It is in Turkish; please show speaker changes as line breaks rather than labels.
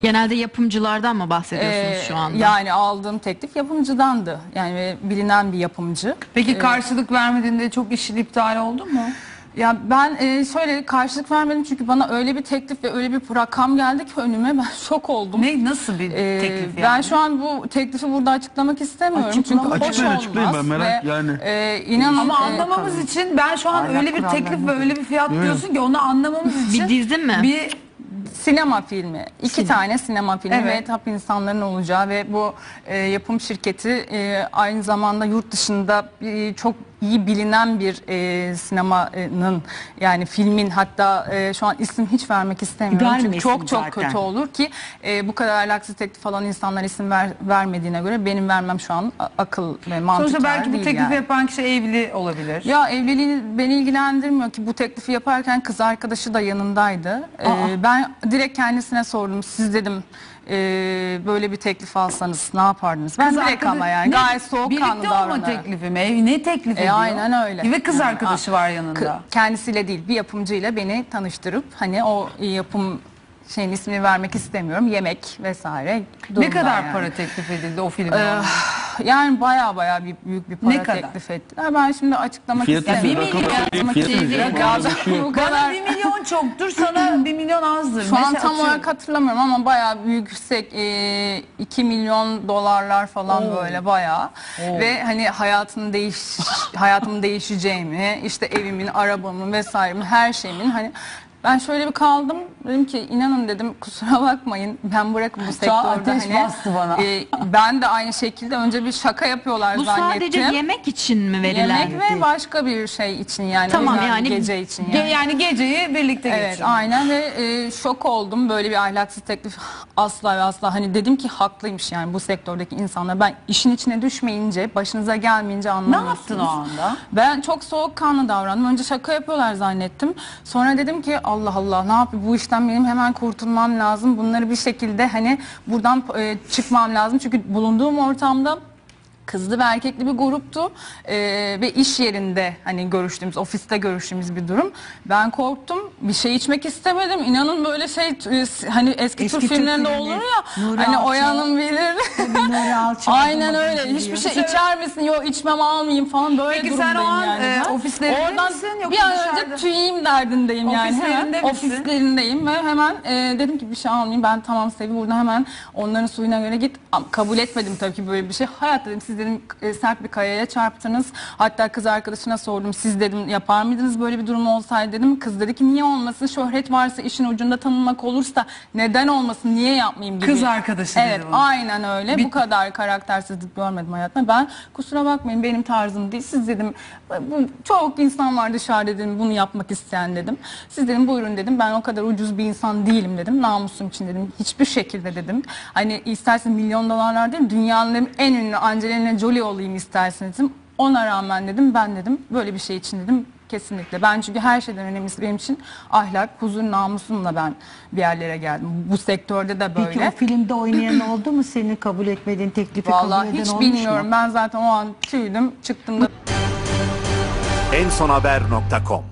Genelde yapımcılardan mı bahsediyorsunuz şu anda?
Yani aldığım teklif yapımcıdandı. Yani bilinen bir yapımcı.
Peki karşılık vermediğinde çok işin iptal oldu mu?
Ya ben şöyle karşılık vermedim çünkü bana öyle bir teklif ve öyle bir rakam geldi ki önüme, ben şok oldum.
Nasıl bir teklif yani?
Ben şu an bu teklifi burada açıklamak istemiyorum çünkü hoş
Açıklayın, ben
olmaz
merak
ve
yani.
inanın
Ama anlamamız için ben şu an öyle bir teklif ve öyle bir fiyat diyorsun ki onu anlamamız için
Bir dizi mi?
bir sinema filmi. İki tane sinema filmi
Evet.
ve tap insanların olacağı ve bu yapım şirketi aynı zamanda yurt dışında çok iyi bilinen bir sinemanın, yani filmin, hatta şu an isim hiç vermek istemiyorum. Çünkü
Vermesin
çok
zaten.
kötü olur ki bu kadar ahlaksız teklif falan insanlar isim vermediğine göre benim vermem şu an akıl ve mantık
sonuçta belki bu
değil
teklifi
yani.
yapan kişi evli olabilir.
Ya evliliği beni ilgilendirmiyor ki, bu teklifi yaparken kız arkadaşı da yanındaydı. Ben direkt kendisine sordum. Siz dedim böyle bir teklif alsanız ne yapardınız? Ben direkt ama yani gayet soğukkanlı
Birlikte olma
davranarak.
teklifi mi? Ne teklif ediyor?
Aynen öyle.
Ve kız
Yani,
arkadaşı var yanında.
Kendisiyle değil, bir yapımcıyla beni tanıştırıp, hani o yapım şeyin ismini vermek istemiyorum, yemek vesaire.
Ne kadar
yani.
para teklif edildi o filme?
Yani baya büyük bir para
Ne kadar?
teklif ettiler. Ben şimdi açıklamak
Fiyatı
istemiyorum.
rakam
Açıklamak
fiyatı
istemiyorum. Bu
Bana
kadar.
1 milyon çoktur, sana 1 milyon azdır.
Şu an
Mesela
tam
atıyorum.
olarak hatırlamıyorum ama bayağı büyük, yüksek, 2 milyon dolarlar falan böyle bayağı. Ve hani hayatımın değişeceğimi, işte evimin, arabamın vesairemin, her şeyimin, hani ben şöyle bir kaldım, dedim ki inanın dedim, kusura bakmayın, ben bırakın bu sektörde,
ateş
hani
bastı bana.
Ben de aynı şekilde önce bir şaka yapıyorlar
Bu
zannettim.
sadece yemek için mi verilen?
Yemek ve başka bir şey için, yani
Tamam,
özel
yani
gece için yani.
Yani geceyi birlikte
Evet,
geçirin.
aynen ve şok oldum, böyle bir ahlaksız teklif asla ve asla, hani dedim ki haklıymış yani bu sektördeki insanlar, ben işin içine düşmeyince, başınıza gelmeyince
Ne
anlamıyorsunuz.
yaptın o anda?
Ben çok soğukkanlı davrandım. Önce şaka yapıyorlar zannettim. Sonra dedim ki Allah Allah, ne yapayım, bu işten benim hemen kurtulmam lazım. Bunları bir şekilde hani buradan çıkmam lazım. Çünkü bulunduğum ortamda kızlı ve erkekli bir gruptu ve iş yerinde hani görüştüğümüz, ofiste görüştüğümüz bir durum. Ben korktum, bir şey içmek istemedim. İnanın böyle şey, hani eski Türk filmlerinde olur ya,
Nuri
hani
Alçak.
Oyan'ın bilir.
Nuri Alçak.
Aynen öyle. Hiçbir şey içer misin? Yok, içmem, almayayım falan, böyle
Peki
durumdayım
sen o an
yani.
ofislerinde
Oradan
misin yoksa
bir an önce
dışarıda?
tüyeyim derdindeyim yani.
Ofislerinde
Hemen
misin?
ofislerindeyim ve hemen dedim ki bir şey almayayım. Ben tamam Sevi, burada hemen onların suyuna göre git. Kabul etmedim tabii ki böyle bir şey. Hayat dedim, siz dedim sert bir kayaya çarptınız. Hatta kız arkadaşına sordum. Siz dedim yapar mıydınız böyle bir durum olsaydı dedim. Kız dedi ki niye olmasın? Şöhret varsa, işin ucunda tanınmak olursa neden olmasın? Niye yapmayayım gibi.
Kız arkadaşı dedi
Evet,
bunu.
aynen öyle. Bu kadar karaktersizlik görmedim hayatımda. Ben kusura bakmayın, benim tarzım değil. Siz dedim, bu çok insan var dışarıda dedim, bunu yapmak isteyen dedim. Siz dedim buyurun dedim. Ben o kadar ucuz bir insan değilim dedim. Namusum için dedim. Hiçbir şekilde dedim. Hani istersen milyon dolarlar değil, dünyanın dedim, en ünlü Angelina Jolie olayım isterseniz dedim. Ona rağmen dedim, ben dedim böyle bir şey için dedim kesinlikle. Ben çünkü her şeyden önemlisi benim için ahlak, huzur, namusumla ben bir yerlere geldim. Bu sektörde de böyle.
Peki o filmde oynayan oldu mu, seni kabul etmediğin teklifi
Vallahi
kabul eden
hiç
olmuş
bilmiyorum.
mu?
Ben zaten o an tüydüm, çıktım da.
ensonhaber.com